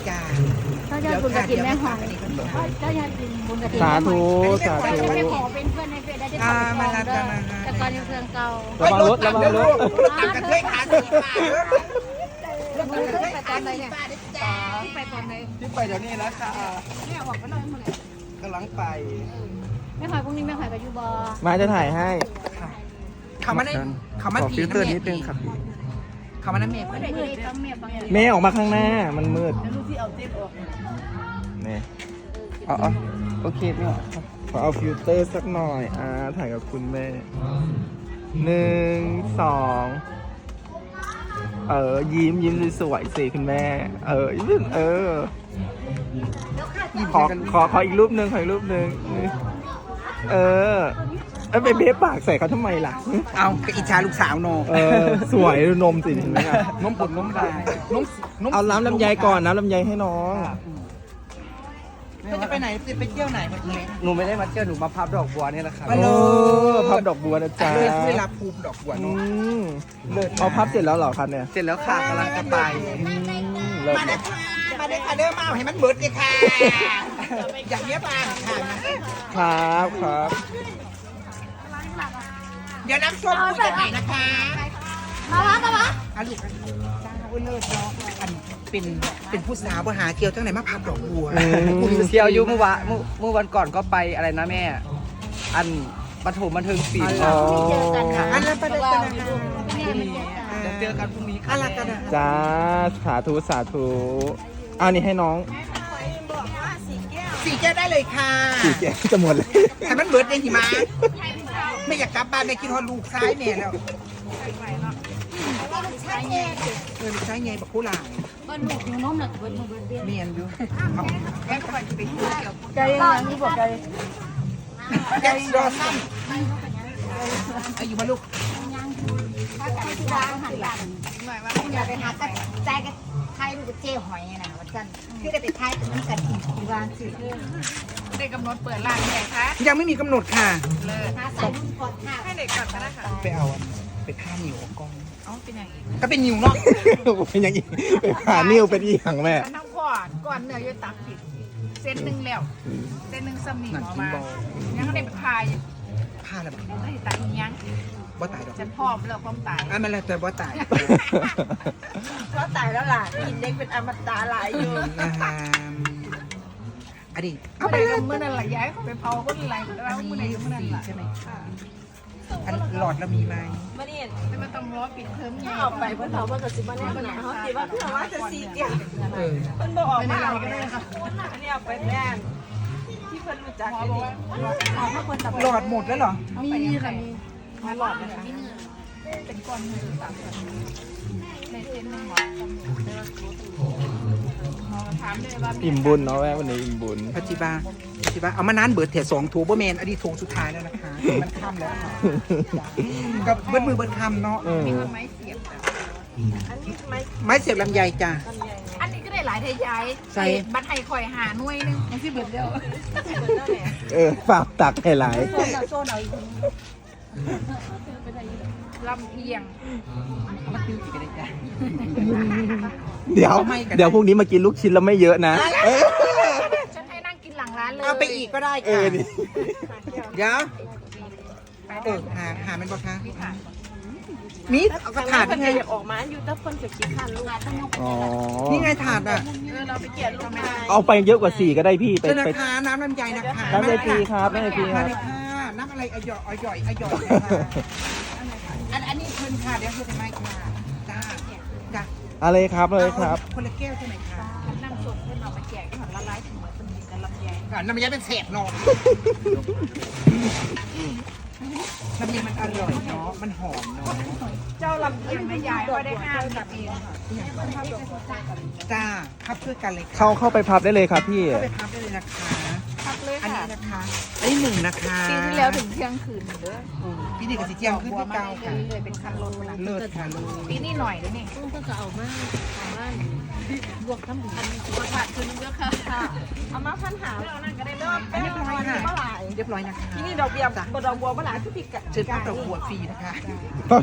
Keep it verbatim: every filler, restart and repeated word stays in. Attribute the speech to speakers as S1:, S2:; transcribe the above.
S1: จ้า
S2: ถ้าจะบุญกระถินแม่หอยถ้าจะกินบุญกระถิน
S3: สาธุสา
S2: แต่
S3: ธุ
S2: จะไม่ขอเป็นเพื่อนในเฟซได้ที่เขาไปขอเด้อแต่ก่อนยังเพื่อนเก่า
S3: ระวังรถระวังรถ
S1: รถตักกันเคยขาสีฟ้า
S2: มึงเคยไปตอนไหนเนี่ยที่ไปตอนไหน
S3: ที่ไปเดี๋ยวนี้นะค่ะ
S2: แม่ออกไปเลยมึงเนี่ย
S3: กำลังไป
S2: แม่หอยพรุ่งนี้แม่หอยไปยูบอ
S3: มาจะถ่ายให้
S1: เขามาได้เขามา
S3: ขอ
S1: ผี
S3: ฟิลเตอร์นิดนึงครับ
S1: เขามาน้ำเมฆ
S2: ไม่ได้ยืนต้องเมียบางอย่าง
S3: เมย์ออกมาข้างหน้ามันมืด
S2: ลูกที่เอาเต้นออก
S3: นี่เอาเอาโอเคไม่ออกครับขอเอาฟิลเตอร์สักหน่อยอ่าถ่ายกับคุณแม่หนึ่งสองเออยิ้มยิ้มสวยๆสิคุณแม่ เออยิ้มเออขอขอขออีกรูปหนึ่งขออีกรูปหนึ่งเออเอ้ยไปเบ๊ปากใส่เขาทำไมล่ะ
S1: เอาอิจฉาลูกสาวโน
S3: เออสวยดูนมสิเห็นไหมอะ
S1: นมปดนมลายนมนม
S3: เอาน้ำลำไยก่อนน้ำลำไยให้น้อง
S1: ก็จะไปไหนจะไปเที่ยวไหนเมื่อกี้
S4: หนูไม่ได้มาเที่ยวหนูมาพับดอกบัวนี่แหละครับ
S1: มา
S3: เอ
S1: เลย
S3: อพับดอกบัวนะจ๊ะ
S1: เวลาภูมิดอกบัว
S3: อื
S1: เนาะ
S3: มเอาพับเสร็จแล้วเหรอครับเนี่ย
S4: เสร็จแล้วค่ะกำลังจะไป
S3: อืมเลิศ
S1: มาเด้อค่ะมาเด้อค่ะเด้อมาเอาให้มันเบิดเลยค่ะอย่างเงี้ยบ้างค่ะ
S3: ครับครับ
S1: เดี๋ยวน้ำส้มคุยกันใหม่นะคะ
S2: มาละมาละ
S1: อาลูกจ้าอุ้ยเลิศเนาะอันเป็นเป็นผู้สาวบ่หาเกี่ยวจังไหนมาพับดอกบัว
S4: เที่ยวอยุเมื่อวานเมื่อเมื่อวันก่อนก็ไปอะไรนะแม่ อันปฐมบันเทิงศิลป์
S3: อ๋อ
S2: ไม่เจอกันค่ะ
S1: อันนั้นประเด็นกันนะคะ
S4: เดี๋ยวเจอกันพรุ่งนี้ค่ะ
S1: อะไรกันนะ
S3: จ้าสาธุสาธุเอานี่ให้น้อง
S1: สี่แก้วได้เลยค่ะ
S3: สี่แกะจะหมดเลย
S1: ให้มันเบิดเลยหิมะไม่อยากกลับบ้านไม่กินฮอดลูกซ้ายเนี่ยแล้วเออลูกซ้ายไงบักคู่หลาย
S2: บ้านหนูหนูน้มหนักเบิร์ดหนูเบิร์ดเบี้ย
S1: เมียนอยู่เอาแก้วไปไปเที่ยว
S2: ใจยังนี่บอกใจ
S1: แก้วรอสั้นอายุมาลูก
S2: ถ้าใครที่ร้านหันหลังอยากไปหาก็ใจก็ไทยดูกับเจ้หอยนะว่าจันคือได้ไปไทยมันกันอีกที่วางสิ
S5: ได้กำหนดเปิดร้านไหนคะ
S1: ยังไม่มีกำหนดค่ะ
S5: เลย
S2: หาใส่รุ่นก่อนค่ะ
S5: ให้เด็กก่อนก็ได้ค่ะ
S1: ไปเอาไปฆ่านิวกอง
S5: เอ้าเป็นอย่างอีก
S1: ก็เป็นนิวเนาะ
S3: เป็นอย่างนี้ไปผ่านิ้วเป็นอีหยังแม่
S5: ฉันต้องพอดก่อนเนื้อจะตักผิดเส้นหนึ่งแล้วเส้นหนึ่งสมีหมอมายังก็ได้ไปพาย
S1: ฆ่าแล้ว
S5: ไอ้ตายยัง
S1: บ่ตายดอก
S5: ฉันพร้อมแล้วความตาย
S1: อ่ะมันแล้วแต่บ่ตาย
S5: ก็ตายแล้วล่ะกินเด็กเป็นอมตะหลายอยู่
S1: นะฮะอันนี้
S5: เอาไปเลยเมื่อนั้นหละย้ายเขาไปเผาคนไรแล้ว
S1: อัน
S5: เมื่อไหร่
S1: นี้
S5: เมื่อนั้น
S1: สี
S5: ล่ะ
S1: ใช่ไหมอันหลอดเรามีไหม
S5: ไม่ได้ไม่มาต้องรอปิดเทอมไง
S6: ออกไปเพื่อนเขาว่ากับสิบวันนี้มันหนาวสิว่าเพื่อนว่าจะสีเกี่ยว
S1: เออ
S6: เพื่อนบอกออกมาเอาก็ได้ค่ะอันนี้เอาไปแน่ที่เพื่อนรู้จักกันนี่
S1: หลอดหมดแล้วเหรอ
S2: มีค่ะมี
S5: มาหลอดนะคะเป็นก้อนมือสามคนในเส้นหนึ่งหมอหมอถามเลยว่า
S3: อิ่มบุญเนาะแม่วันนี้อิ่มบุญ
S1: ปัจจิบาปัจจิบาเอามานานเบิดเถียสองถูบ่แมนอันนี้ถูสุดท้ายแล้วนะคะ มันค่ำแล้วค่ะกับเบิดมือเบิดคำเนาะ
S3: เออ
S5: ไม้เสียบ
S6: อันนี้ไม่
S1: ไม้เสียบลำไยจ้ะ
S6: ลำไย
S5: อันนี้ก็ได้หลายไทยย้าย
S1: ใส่
S5: บัตรไทยคอยหาหน่วยนึงมันที่เบิดเดียว
S6: เหมือนนั่นแหละ
S3: เออฝากตักให้หลาย
S6: โซนเอาโซนเอาอีก
S5: ลำเอียง
S1: มาติ้วสิกันได้จ้ะ
S3: เดี๋ยว
S1: ไม่กัน
S3: เดี๋ยวพรุ่งนี้มากินลูกชิ้นแล้วไม่เยอะนะเออ
S5: ฉันให้นั่งกินหลังร้านเลย
S1: เอาไปอีกก็ได้
S3: เอ
S1: ค่ะ
S3: อดิ
S1: เดี๋ยวเออหาหามันบ่คะมีเอากระถาด
S6: เพื่อน
S1: นี่ไง
S6: อยากออกมาอยู่แต่เพื่อนจะคิดทันลูก
S3: อ๋อ
S1: นี่ไงถาดอ่ะ
S6: เออเราไปเกลียดลูกนาย
S3: เอาไปเยอะกว่าสี่ก็ได้พี่ไป
S1: เจ้านะ
S3: ไป
S1: คะน้ำลำไยนะคะ
S3: น้ำใจฟรีครับน้ำใจฟรีค
S1: มา
S3: รับ
S1: เลยค่ะน้ำอะไรอร่อยอร่อยอร่อยนะคะอันอันนี้เพิ่นค่ะเดี๋ยวเพิ่นจะไม่ค่ะจ้าจ้า
S3: อะไรครับเลยครับ
S1: คนละแก้วใช่ไหมคะ
S5: น้ำสดเพื่อนเอามาแจกที่หอละลายถึงเหมือนคนมีกันลำไย
S1: อ่าน้ำมันยาเป็นเศษเนาะน้ำมันมันอร่อยเนาะมันหอมเนาะ
S5: เจ้าลำเอียงไม่ยายก็ได้ห้ามกับเอง
S1: จ้าพับช่วยกันเลยค่ะ
S3: เข้าเข้าไปพับได้เลยครับพี่
S1: เข้าไปพับได้เลยนะคะ
S5: พักเลย
S1: อัน
S5: ค่ะ
S1: นี้นะคะอันนี้หนึ่งนะคะ
S5: ปีที่แล้วถึงเที่ยงคืนเด้อ
S1: โอ้พี่นี่กับสีเจียงขึ้นที่เก้าค่ะ
S5: เลยเป็นคันรถ
S1: เลิศค่ะเลิศ
S5: ปีนี้หน่อยเลยนี่
S2: ต้องต้องเอามาเอามาบวกทั้งหมด
S5: บทบาทคืนเยอะค่ะ
S6: เอามาพันหา
S5: เรานั่งก็ได้
S6: เริ่
S5: เริ่
S6: ม
S5: ม
S6: เป็น
S1: เรียบร้อยค่ะ
S6: เมื่อไหร่
S1: เรียบร้อยนะคะ
S6: ที่นี่ดอกเบี้ยดอกบัวเมื่อไหร่ทุกปีกะ
S1: เชิญพับดอกบัวฟรีนะคะ